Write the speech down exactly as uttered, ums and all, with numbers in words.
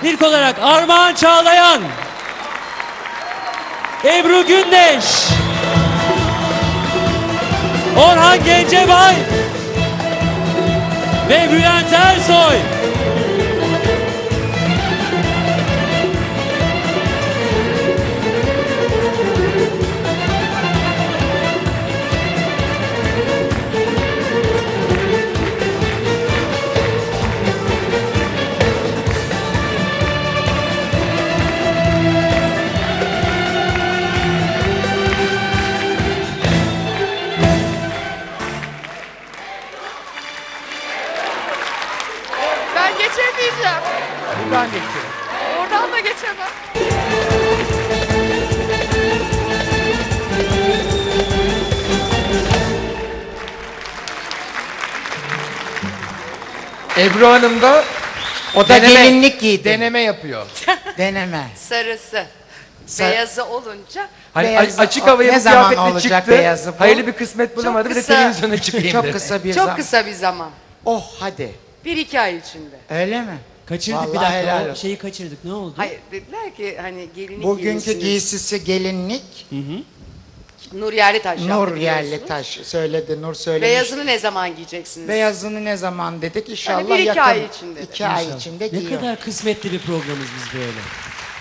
İlk olarak Armağan Çağlayan, Ebru Gündeş, Orhan Gencebay ve Bülent Ersoy. Ben geçemeyeceğim. Buradan geçiyor. Oradan da geçemem. Ebru Hanım da O da gelinlik giydi. deneme yapıyor. Deneme. Sarısı. Sa- Beyazı olunca Hani Beyazı- a- açık havaya ne bu zaman kıyafetle olacak çıktı. beyazı bu? Hayırlı bir kısmet bulamadı. Bir de kısa. televizyona çıkayım Çok dedi. kısa bir çok zaman. kısa bir zaman. Oh hadi. Bir iki ay içinde. Öyle mi? Kaçırdık bir Vallahi dakika. helal O olsun. şeyi kaçırdık. Ne oldu? Hayır dediler ki hani gelinlik Bugünkü giymişsiniz. giysisi gelinlik. Nur Yerlitaş yaptı Nur biliyorsunuz. yerli taş söyledi. Nur söylemiş. Beyazını ne zaman giyeceksiniz? Beyazını ne zaman dedik? İnşallah Hani bir iki yakın. ay içinde. İki ay İnşallah. içinde Ne giyiyor. kadar kısmetli bir programız biz böyle.